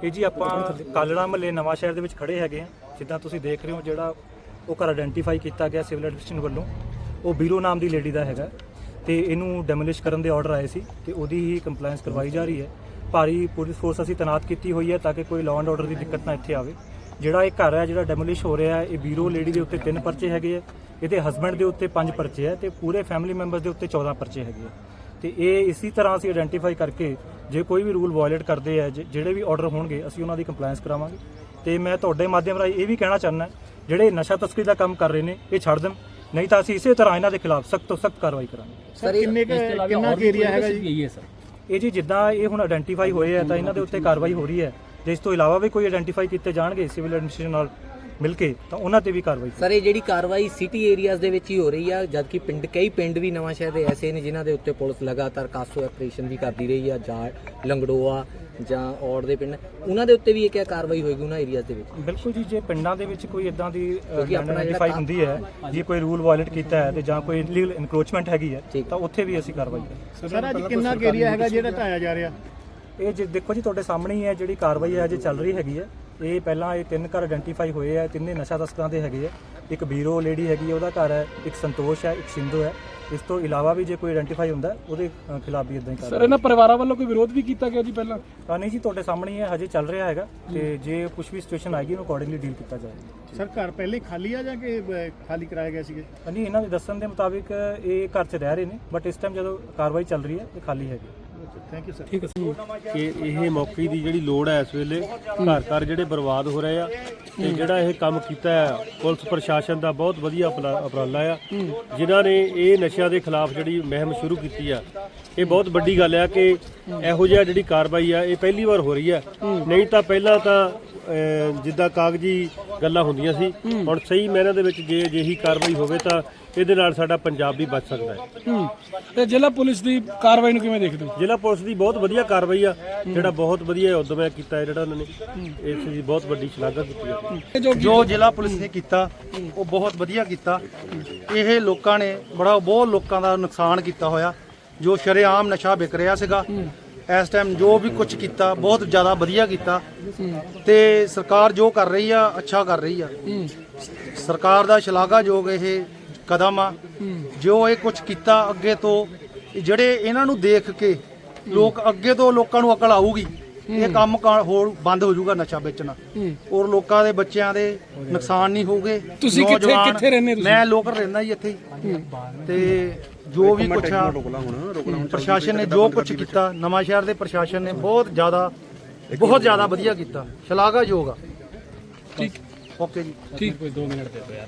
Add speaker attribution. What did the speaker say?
Speaker 1: ਇਹ ਜੀ ਆਪਾਂ ਕਾਲੜਾ ਮਹੱਲੇ ਨਵਾਂ ਸ਼ਹਿਰ ਦੇ ਵਿੱਚ ਖੜੇ ਹੈਗੇ ਆ। ਜਿੱਦਾਂ ਤੁਸੀਂ ਦੇਖ ਰਹੇ ਹੋ ਜਿਹੜਾ ਉਹ ਘਰ ਆਇਡੈਂਟੀਫਾਈ ਕੀਤਾ ਗਿਆ ਸਿਵਲ ਐਡਮਿਨਿਸਟ੍ਰੇਸ਼ਨ ਵੱਲੋਂ, ਉਹ ਬੀਰੋ ਨਾਮ ਦੀ ਲੇਡੀ ਦਾ ਹੈਗਾ ਤੇ ਇਹਨੂੰ ਡੈਮੋਲਿਸ਼ ਕਰਨ ਦੇ ਆਰਡਰ ਆਏ ਸੀ ਤੇ ਉਹਦੀ ਹੀ ਕੰਪਲਾਈਂਸ ਕਰਵਾਈ ਜਾ ਰਹੀ ਹੈ। ਭਾਰੀ ਪੁਲਿਸ ਫੋਰਸ ਅਸੀਂ ਤੈਨਾਤ ਕੀਤੀ ਹੋਈ ਹੈ ਤਾਂ ਕਿ ਕੋਈ ਲਾਅ ਐਂਡ ਆਰਡਰ ਦੀ ਦਿੱਕਤ ਨਾ ਇੱਥੇ ਆਵੇ। ਜਿਹੜਾ ਇਹ ਘਰ ਹੈ ਜਿਹੜਾ ਡੈਮੋਲਿਸ਼ ਹੋ ਰਿਹਾ ਹੈ, ਇਹ ਬੀਰੋ ਲੇਡੀ ਦੇ ਉੱਤੇ 3 ਪਰਚੇ ਹੈਗੇ ਆ, ਇਹਦੇ ਹਸਬੈਂਡ ਦੇ ਉੱਤੇ 5 ਪਰਚੇ ਹੈ ਤੇ ਪੂਰੇ ਫੈਮਿਲੀ ਮੈਂਬਰਸ ਦੇ ਉੱਤੇ 14 ਪਰਚੇ ਹੈਗੇ ਆ। ਤੇ ਇਹ ਇਸੇ ਤਰ੍ਹਾਂ ਅਸੀਂ ਆਇਡੈਂਟੀਫਾਈ ਕਰਕੇ ਜੇ ਕੋਈ ਵੀ ਰੂਲ ਵਾਇਲੇਟ ਕਰਦੇ ਆ, ਜਿਹੜੇ ਵੀ ਆਰਡਰ ਹੋਣਗੇ ਅਸੀਂ ਉਹਨਾਂ ਦੀ ਕੰਪਲਾਈਂਸ ਕਰਾਵਾਂਗੇ। ਤੇ ਮੈਂ ਤੁਹਾਡੇ ਮਾਧਿਅਮ ਰਾਹੀਂ ਇਹ ਵੀ ਕਹਿਣਾ ਚਾਹੁੰਦਾ ਜਿਹੜੇ ਨਸ਼ਾ ਤਸਕਰੀ ਦਾ ਕੰਮ ਕਰ ਰਹੇ ਨੇ ਇਹ ਛੱਡ ਦੇਣ, ਨਹੀਂ ਤਾਂ ਅਸੀਂ ਇਸੇ ਤਰ੍ਹਾਂ ਇਹਨਾਂ ਦੇ ਖਿਲਾਫ ਸਖਤ ਤੋਂ ਸਖਤ ਕਾਰਵਾਈ ਕਰਾਂਗੇ।
Speaker 2: ਸਰ ਕਿੰਨਾ ਏਰੀਆ ਹੈਗਾ ਜੀ?
Speaker 1: ਇਹ ਜੀ ਜਿੱਦਾਂ ਇਹ ਹੁਣ ਆਇਡੈਂਟੀਫਾਈ ਹੋਏ ਆ ਤਾਂ ਇਹਨਾਂ ਦੇ ਉੱਤੇ ਕਾਰਵਾਈ ਹੋ ਰਹੀ ਹੈ। ਜੇ ਇਸ ਤੋਂ ਇਲਾਵਾ ਵੀ ਕੋਈ ਆਇਡੈਂਟੀਫਾਈ ਕੀਤੇ ਜਾਣਗੇ ਸਿਵਲ ਐਡਮਿਨਿਸਟ੍ਰੇਸ਼ਨ ਨਾਲ ਮਿਲ ਕੇ ਤਾਂ ਉਹਨਾਂ ਤੇ ਵੀ ਕਾਰਵਾਈ।
Speaker 3: ਸਰ ਇਹ ਜਿਹੜੀ ਕਾਰਵਾਈ ਸਿਟੀ ਏਰੀਆਜ਼ ਦੇ ਵਿੱਚ ਹੀ ਹੋ ਰਹੀ ਆ, ਜਦਕਿ ਕਈ ਪਿੰਡ ਵੀ ਨਵਾਂ ਸ਼ਹਿਰ ਦੇ ਐਸੇ ਨੇ ਜਿਨ੍ਹਾਂ ਦੇ ਉੱਤੇ ਪੁਲਿਸ ਲਗਾਤਾਰ ਕਾਸੋ ਆਪਰੇਸ਼ਨ ਵੀ ਕਰਦੀ ਰਹੀ ਆ, ਜਾਂ ਲੰਗੜੋਆ ਜਾਂ ਔੜ ਦੇ ਪਿੰਡ, ਉਹਨਾਂ ਦੇ ਉੱਤੇ ਵੀ ਇਹ ਕਿਆ ਕਾਰਵਾਈ ਹੋਏਗੀ ਉਹਨਾਂ ਏਰੀਆਜ਼ ਦੇ ਵਿੱਚ?
Speaker 1: ਬਿਲਕੁਲ ਜੀ, ਜੇ ਪਿੰਡਾਂ ਦੇ ਵਿੱਚ ਕੋਈ ਇਦਾਂ ਦੀ ਆਇਡੈਂਟੀਫਾਈ ਹੁੰਦੀ ਹੈ, ਜੇ ਕੋਈ ਰੂਲ ਵਾਇਲੇਟ ਕੀਤਾ ਹੈ ਤੇ ਜਾਂ ਕੋਈ ਇਲੀਗਲ ਇਨਕਰੋਚਮੈਂਟ ਹੈਗੀ ਹੈ ਤਾਂ ਉੱਥੇ ਵੀ ਅਸੀਂ ਕਾਰਵਾਈ ਕਰਾਂਗੇ।
Speaker 2: ਸਰ ਅੱਜ ਕਿੰਨਾ ਏਰੀਆ ਹੈਗਾ ਜਿਹੜਾ ਢਾਇਆ ਜਾ ਰਿਹਾ?
Speaker 1: ਇਹ ਜੇ ਦੇਖੋ ਜੀ ਤੁਹਾਡੇ ਸਾਹਮਣੇ ਹੀ ਹੈ ਜਿਹੜੀ ਕਾਰਵਾਈ ਹੈ ਅਜੇ ਚੱਲ ਰਹੀ ਹੈਗੀ ਹੈ। ਇਹ ਪਹਿਲਾਂ ਇਹ 3 ਘਰ ਆਇਡੈਂਟੀਫਾਈ ਹੋਏ ਆ, ਤਿੰਨੇ ਨਸ਼ਾ ਤਸਕਰਾਂ ਦੇ ਹੈਗੇ ਆ। ਇੱਕ ਬੀਰੋ ਲੇਡੀ ਹੈਗੀ ਉਹਦਾ ਘਰ ਹੈ, ਇੱਕ ਸੰਤੋਸ਼ ਹੈ, ਇੱਕ ਸਿੰਧੂ ਹੈ। ਇਸ ਤੋਂ ਇਲਾਵਾ ਵੀ ਜੇ ਕੋਈ ਆਇਡੈਂਟੀਫਾਈ ਹੁੰਦਾ ਉਹਦੇ ਖਿਲਾਫ ਵੀ ਇਦਾਂ ਹੀ
Speaker 4: ਸਰ ਇਹਨਾਂ ਪਰਿਵਾਰਾਂ ਵੱਲੋਂ ਕੋਈ ਵਿਰੋਧ ਵੀ ਕੀਤਾ ਗਿਆ ਜੀ ਪਹਿਲਾਂ?
Speaker 1: ਨਹੀਂ ਜੀ, ਤੁਹਾਡੇ ਸਾਹਮਣੇ ਹੀ ਹੈ, ਹਜੇ ਚੱਲ ਰਿਹਾ ਹੈਗਾ ਤੇ ਜੇ ਕੁਝ ਵੀ ਸਿਚੁਏਸ਼ਨ ਆਏਗੀ ਉਹਨੂੰ ਅਕੋਰਡਿੰਗਲੀ ਡੀਲ ਕੀਤਾ ਜਾਏਗਾ।
Speaker 2: ਸਰ ਘਰ ਪਹਿਲੇ ਖਾਲੀ ਆ ਜਾਂ ਕਿ ਖਾਲੀ ਕਰਾਏ ਗਏ ਸੀਗੇ?
Speaker 1: ਨਹੀਂ, ਇਹਨਾਂ ਦੇ ਦੱਸਣ ਦੇ ਮੁਤਾਬਿਕ ਇਹ ਘਰ 'ਚ ਰਹਿ ਰਹੇ ਨੇ, ਬਟ ਇਸ ਟਾਈਮ ਜਦੋਂ ਕਾਰਵਾਈ ਚੱਲ ਰਹੀ ਹੈ ਇਹ ਖਾਲੀ ਹੈਗੀ।
Speaker 2: Thank you sir.
Speaker 4: ਠੀਕ ਹੈ
Speaker 5: ਕਿ ਇਹ ਮੌਕੇ ਦੀ ਜਿਹੜੀ ਲੋੜ ਹੈ ਇਸ ਵੇਲੇ, ਘਰ ਘਰ ਜਿਹੜੇ ਬਰਬਾਦ ਹੋ ਰਹੇ ਆ ਤੇ ਜਿਹੜਾ ਇਹ ਕੰਮ ਕੀਤਾ ਹੈ ਪੁਲਿਸ ਪ੍ਰਸ਼ਾਸਨ ਦਾ ਬਹੁਤ ਵਧੀਆ ਉਪਰਾਲਾ ਆ, ਜਿਨ੍ਹਾਂ ਨੇ ਇਹ ਨਸ਼ਿਆਂ ਦੇ ਖਿਲਾਫ ਜਿਹੜੀ ਮੁਹਿੰਮ ਸ਼ੁਰੂ ਕੀਤੀ ਆ। ਇਹ ਬਹੁਤ ਵੱਡੀ ਗੱਲ ਆ ਕਿ ਇਹੋ ਜਿਹਾ ਜਿਹੜੀ ਕਾਰਵਾਈ ਆ ਇਹ ਪਹਿਲੀ ਵਾਰ ਹੋ ਰਹੀ ਆ। ਨਹੀਂ ਤਾਂ ਪਹਿਲਾਂ ਤਾਂ ਜਿੱਦਾਂ ਕਾਗਜ਼ੀ ਗੱਲਾਂ ਹੁੰਦੀਆਂ ਸੀ, ਹੁਣ ਸਹੀ ਮਾਇਨਿਆਂ ਦੇ ਵਿੱਚ ਜੇ ਅਜਿਹੀ ਕਾਰਵਾਈ ਹੋਵੇ ਤਾਂ ਇਹਦੇ ਨਾਲ ਸਾਡਾ ਪੰਜਾਬ ਵੀ ਬਚ ਸਕਦਾ ਹੈ।
Speaker 4: ਤੇ ਜ਼ਿਲ੍ਹਾ ਪੁਲਿਸ ਦੀ ਕਾਰਵਾਈ ਨੂੰ ਕਿਵੇਂ ਦੇਖਦੇ ਹੋ?
Speaker 5: ਜ਼ਿਲ੍ਹਾ ਪੁਲਿਸ ਦੀ ਬਹੁਤ ਵਧੀਆ ਕਾਰਵਾਈ ਆ, ਜਿਹੜਾ ਬਹੁਤ ਵਧੀਆ ਉਦਮ ਹੈ ਕੀਤਾ ਹੈ, ਜਿਹੜਾ ਉਹਨਾਂ ਨੇ ਇਸ ਦੀ ਬਹੁਤ ਵੱਡੀ ਸ਼ਲਾਘਾ ਕੀਤੀ ਹੈ।
Speaker 6: ਜੋ ਜ਼ਿਲ੍ਹਾ ਪੁਲਿਸ ਨੇ ਕੀਤਾ ਉਹ ਬਹੁਤ ਵਧੀਆ ਕੀਤਾ। ਇਹ ਲੋਕਾਂ ਨੇ ਬਹੁਤ ਲੋਕਾਂ ਦਾ ਨੁਕਸਾਨ ਕੀਤਾ ਹੋਇਆ, ਜੋ ਸ਼ਰੇਆਮ ਨਸ਼ਾ ਵਿਕ ਰਿਹਾ ਸੀਗਾ। ਇਸ ਟਾਈਮ ਜੋ ਵੀ ਕੁਝ ਕੀਤਾ ਬਹੁਤ ਜ਼ਿਆਦਾ ਵਧੀਆ ਕੀਤਾ ਤੇ ਸਰਕਾਰ ਜੋ ਕਰ ਰਹੀ ਆ ਅੱਛਾ ਕਰ ਰਹੀ ਆ। ਸਰਕਾਰ ਦਾ ਸ਼ਲਾਘਾਯੋਗ ਇਹ ਕਦਮ ਆ ਜੋ ਇਹ ਕੁਝ ਕੀਤਾ। ਅੱਗੇ ਤੋਂ ਜਿਹੜੇ ਇਹਨਾਂ ਨੂੰ ਦੇਖ ਕੇ ਅੱਗੇ ਤੋਂ ਲੋਕਾਂ ਨੂੰ ਅਕਲ ਆਊਗੀ, ਇਹ ਕੰਮ ਹੋਰ ਬੰਦ ਹੋ ਜਾਊਗਾ ਨਸ਼ਾ ਵੇਚਣਾ, ਔਰ ਲੋਕਾਂ ਦੇ ਬੱਚਿਆਂ ਦੇ ਨੁਕਸਾਨ ਨਹੀਂ ਹੋਊਗੇ।
Speaker 4: ਤੁਸੀਂ ਕਿੱਥੇ ਰਹਿੰਦੇ?
Speaker 6: ਮੈਂ ਲੋਕਲ ਰਹਿੰਦਾ ਜੀ ਇੱਥੇ ਹੀ। ਤੇ ਜੋ ਵੀ ਕੁਛ ਆ ਪ੍ਰਸ਼ਾਸਨ ਨੇ ਜੋ ਕੁਛ ਕੀਤਾ, ਨਵਾਂ ਸ਼ਹਿਰ ਦੇ ਪ੍ਰਸ਼ਾਸਨ ਨੇ ਬਹੁਤ ਜ਼ਿਆਦਾ ਵਧੀਆ ਕੀਤਾ, ਸ਼ਲਾਘਾਯੋਗ ਆ।
Speaker 4: ਠੀਕ,
Speaker 6: ਓਕੇ ਜੀ।
Speaker 4: ਠੀਕ, 2 ਮਿੰਟ ਦੇ ਦਿਓ ਯਾਰ।